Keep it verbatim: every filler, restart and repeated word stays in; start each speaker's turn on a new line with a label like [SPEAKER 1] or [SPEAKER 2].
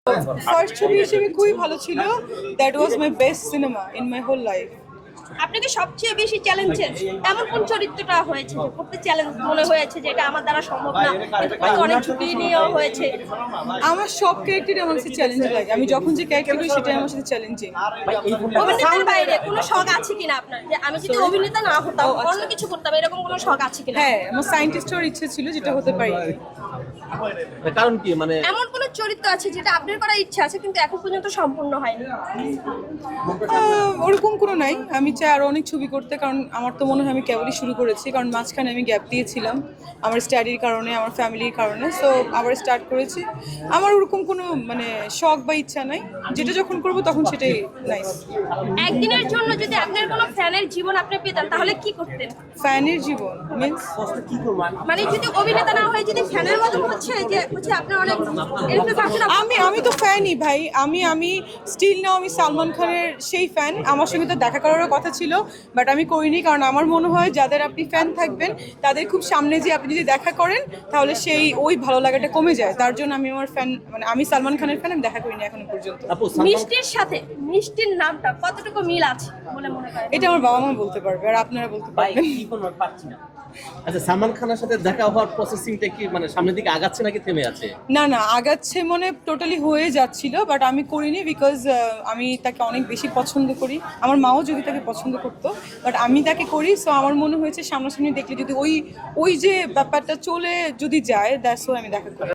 [SPEAKER 1] First ছবি হিসেবে খুবই ভালো ছিল। That was my best cinema in my whole life.
[SPEAKER 2] আপনাকে সবচেয়ে বেশি চ্যালেঞ্জের এমন কোন চরিত্রটা হয়েছে যে করতে চ্যালেঞ্জ মনে হয়েছে যে এটা আমার দ্বারা সম্ভব না, কিন্তু করতে অনেক ঝুঁকি নিয়েও হয়েছে?
[SPEAKER 1] আমার সব ক্যারেক্টারই আমার কাছে চ্যালেঞ্জ লাগে। আমি যখন যে ক্যারেক্টার করি সেটাই আমার সাথে চ্যালেঞ্জিং।
[SPEAKER 2] অভিনেতার বাইরে কোনো শখ আছে কিনা আপনার, যে আমি যদি অভিনেতা না হতাম অন্য কিছু করতাম, এরকম কোনো শখ আছে কিনা?
[SPEAKER 1] হ্যাঁ, আমার সায়েন্টিস্ট হওয়ার ইচ্ছে ছিল, যেটা হতে পারি।
[SPEAKER 3] কারণ কি, মানে
[SPEAKER 2] এমন কোন চরিত্র আছে যেটা আপনার করার ইচ্ছা আছে কিন্তু এখন পর্যন্ত সম্পূর্ণ হয়নি?
[SPEAKER 1] আহ, ওরকম কোনো নাই। আমি চাই আরো অনেক ছবি করতে, কারণ আমার তো মনে হয় আমি কেবলই শুরু করেছি। কারণ মাঝখানে আমি গ্যাপ দিয়েছিলাম আমার স্টাডির কারণে, আমার ফ্যামিলির কারণে। সো আবার স্টার্ট করেছি। আমার ওরকম কোনো মানে শখ বা ইচ্ছা নাই, যেটা যখন করব তখন সেটাই নাইস।
[SPEAKER 2] একদিনের জন্য যদি আপনার কোনো ফ্যানের জীবন আপনি পেতেন তাহলে কি করতেন?
[SPEAKER 1] ফ্যানের জীবন মিন্স
[SPEAKER 2] মানে যদি অভিনেতা না হয়ে যদি ফ্যানের মতো হচ্ছে যে হচ্ছে আপনার অনেক influence আছে।
[SPEAKER 1] আমি আমি তো ফ্যানই ভাই। আমি আমি স্টিল নাও আমি সালমান খানের সেই ফ্যান। আমার সঙ্গে তো দেখা করারও কথা ছিল, বাট আমি করিনি। কারণ আমার মনে হয় যাদের আপনি ফ্যান থাকবেন তাদের খুব সামনে যে আপনি যদি দেখা করেন তাহলে সেই ওই ভালো লাগাটা কমে যায়। তার জন্য আমি আমার ফ্যান, মানে আমি সালমান খানের ফ্যান, আমি দেখা করিনি এখনো পর্যন্ত।
[SPEAKER 3] আপু সালমান
[SPEAKER 2] মিষ্টির সাথে মিষ্টির নামটা কতটুকু মিল আছে বলে মনে করেন?
[SPEAKER 1] এটা আমার বাবা মা বলতে পারবে, আর আপনারা বলতে পারবেন।
[SPEAKER 3] আচ্ছা, সালমান খানের সাথে দেখা হওয়ার প্রসেসিংটা কি মানে সামনের দিকে আগাচ্ছে নাকি থেমে আছে?
[SPEAKER 1] না না, আগাচ্ছে, মনে টোটালি হয়ে যাচ্ছিল, বাট আমি করিনি বিকজ আমি তাকে অনেক বেশি পছন্দ করি। আমার মাও যদি তাকে পছন্দ করতো, বাট আমি তাকে করি। সো আমার মনে হয়েছে সামনাসামনি দেখলে যদি ওই ওই যে ব্যাপারটা চলে যদি যায়, দ্যাটস ওয়াই আমি দেখা করি।